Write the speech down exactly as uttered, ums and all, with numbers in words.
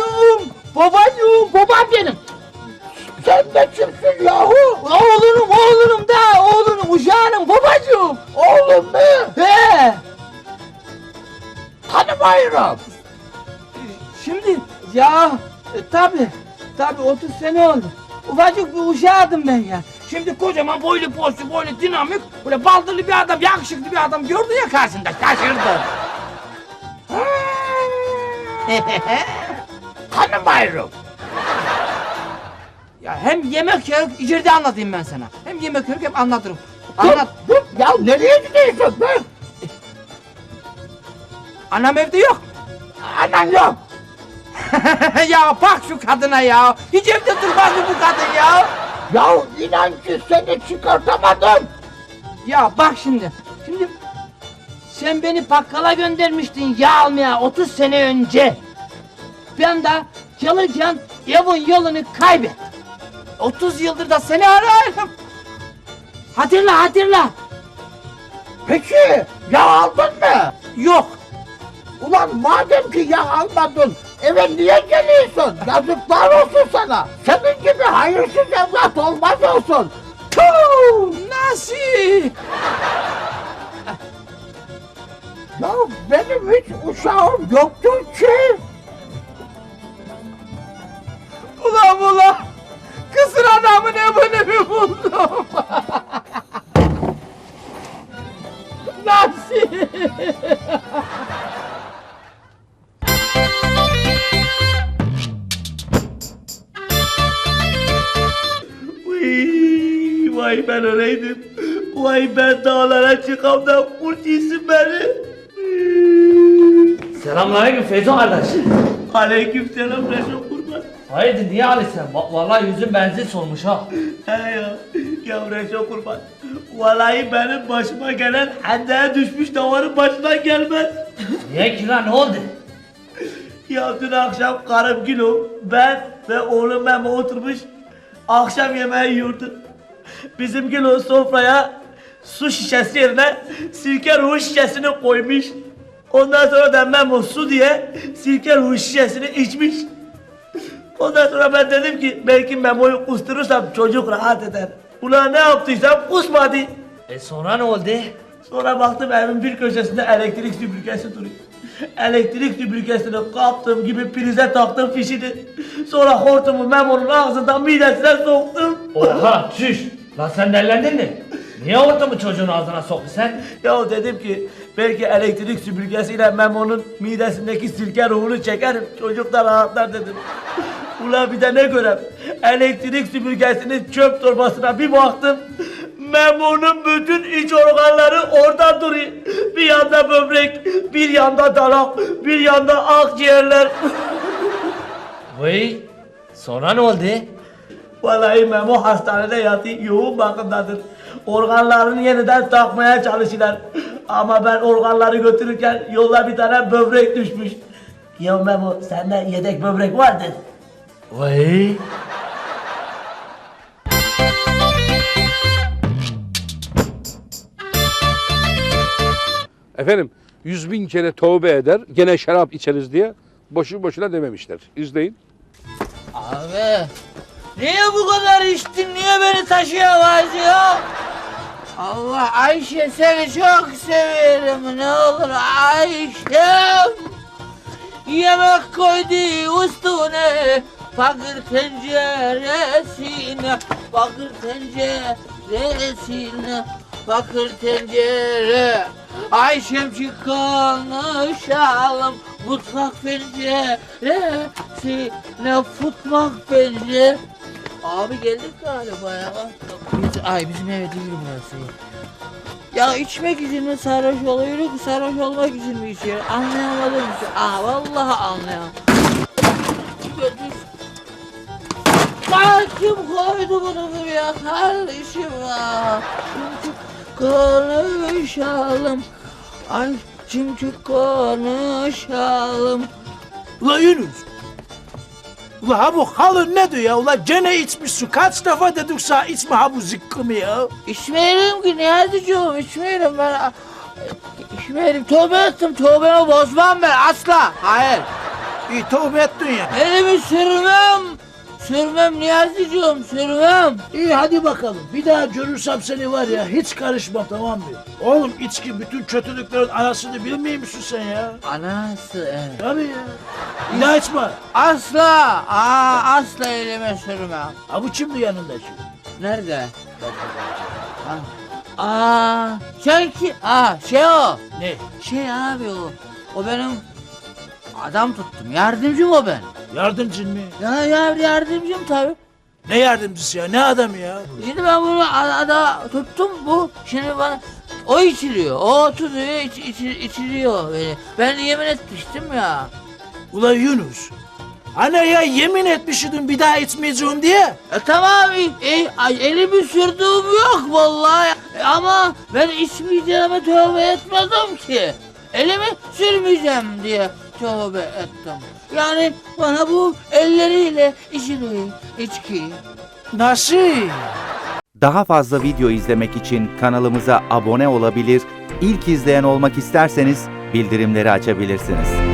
Babacığım, babacığım, babam benim. Sen de kimsin yahu? Oğlunum, oğlunum da, oğlunum, uşağınım, babacığım. Oğlum mu? He. Tanımıyorum. Şimdi ya e, tabi tabi otuz sene oldu. Ufacık bir uşağıydım ben ya. Şimdi kocaman boylu poslu boylu dinamik böyle baldırlı bir adam yakışıklı bir adam gördü ya karşında şaşırdı. Tanımıyorum. Ya hem yemek yok içeride anlatayım ben sana. Hem yemek yok hem anlatırım. Dur, Anlat. dur. Ya nereye gidiyorsun be? Anam evde yok. Anan yok. Ya bak şu kadına ya. Hiç evde durmaz mı bu kadın ya? Ya inan ki seni çıkartamadım. Ya bak şimdi. Şimdi sen beni bakkala göndermiştin yağ almaya otuz sene önce. Ben de çalışan evin yolunu kaybettim. otuz yıldır da seni arıyorum. Hatırla hatırla. Peki ya aldın mı? Yok. Ulan madem ki ya almadın eve niye geliyorsun? Yazıklar olsun sana. Senin gibi hayırsız evlat olmaz olsun. Tuh, nasıl? Ya benim hiç uşağım yoktur ki. Ulan ulan. Kısır adamın evini mi buldum? Nasıl? Vay, vay ben öyleydim. Vay ben dağlara çıkam da kurt yesin beni. Selamünaleyküm Feyzo kardeş. Aleyküm selam Reşo kurban. Hayırdır niye alırsan? Va- Vallahi yüzün benzin solmuş ha. He ya, ya Reşo kurban. Vallahi benim başıma gelen hendeye düşmüş davarın başına gelmez. Niye ki lan ne oldu? Ya dün akşam karım Gülüm, ben ve oğlum Memo oturmuş akşam yemeği yiyordu. Bizim Gülüm sofraya su şişesi yerine sirke ruhu şişesini koymuş. Ondan sonra da Memo su diye sirke ruhu şişesini içmiş. Ondan sonra ben dedim ki belki Memo'yu kusturursam çocuk rahat eder. Ulan ne yaptıysam kusmadı. E sonra ne oldu? Sonra baktım evin bir köşesinde elektrik süpürgesi duruyor. Elektrik süpürgesini kaptım gibi prize taktım fişini. Sonra hortumu Memo'nun ağzından midesine soktum. Oha çüş. Lan sen delendin mi? Niye ortamı çocuğun ağzına soktu sen? Ya dedim ki belki elektrik süpürgesiyle Memo'nun midesindeki sirke ruhunu çekerim. Çocuk da rahatlar dedim. Ulan bir de ne görem? Elektrik süpürgesinin çöp torbasına bir baktım. Memo'nun bütün iç organları orada duruyor. Bir yanda böbrek, bir yanda dalak, bir yanda akciğerler. Vay. Sonra ne oldu? Vallahi Memo hastanede yatıyor, yoğun bakımdadır. Organlarını yeniden takmaya çalışırlar. Ama ben organları götürürken yolda bir tane böbrek düşmüş. Ya Memo sende yedek böbrek vardır. Vay. Efendim yüz bin kere tövbe eder gene şarap içeriz diye boşu boşuna dememişler. İzleyin. Abi. Niye bu kadar içtin? Niye beni taşıyamaz ya? Allah Ayşe seni çok severim. Ne olur Ayşem. Yemek koydu üstüne. Fakir tenceresine. Fakir tenceresine. Fakir tencere. Ayşem çık konuşalım. Mutfak penceresine. Futmak pencere. Abi geldik galiba ya. Biz, ay bizim eve değil burası. Ya içmek için mi sarhoş oluyoruz, sarhoş olmak için mi içiyoruz? Anlayamadım ki. Aa vallahi anlayamadım. Götür. Bak kim koydu bunu buraya kardeşim ya? Çünkü konuşalım. Ay çünkü konuşalım. Ula Yunus. Ula ha bu halın ne diyor ya? Ula gene içmişsin. Kaç defa dedik sana içme ha bu zıkkımı ya. İçmeyelim ki Niyazi'cığım içmeyelim ben. İçmeyelim tövbe ettim tövbemi bozmam ben asla. Hayır. İyi tövbe ettin ya. Elimi sürmem. Sürmem Niyazi'cim sürmem. İyi hadi bakalım. Bir daha görürsem seni var ya hiç karışmam tamam mı? Oğlum içki bütün kötülüklerin anasını bilmiyor musun sen ya? Anası evet. Tabii ya. Bir daha içme. Asla. Aa, asla elime sürmem. Ha bu kimdi yanındaki? Nerede? Ha. Aa, sen ki? Aa, şey o. Ne? Şey abi o. O benim adam tuttum. Yardımcım o ben. Yardımcın mı? Ya, ya yardımcım tabii. Ne yardımcısı ya? Ne adamı ya? Şimdi ben bunu ada tuttum bu. Şimdi bana o içiliyor. O tutuyor, iç, iç, içiliyor beni. Ben yemin etmiştim ya. Ula Yunus. Hani ya yemin etmişydin bir daha içmeyeceğim diye. E tamam, e, ay, elimi sürdüğüm yok vallahi. E, ama ben içmeyeceğime tövbe etmedim ki. Elimi sürmeyeceğim diye tövbe ettim. Yani bana bu elleriyle içiliyor içki. Nasıl? Daha fazla video izlemek için kanalımıza abone olabilir, ilk izleyen olmak isterseniz bildirimleri açabilirsiniz.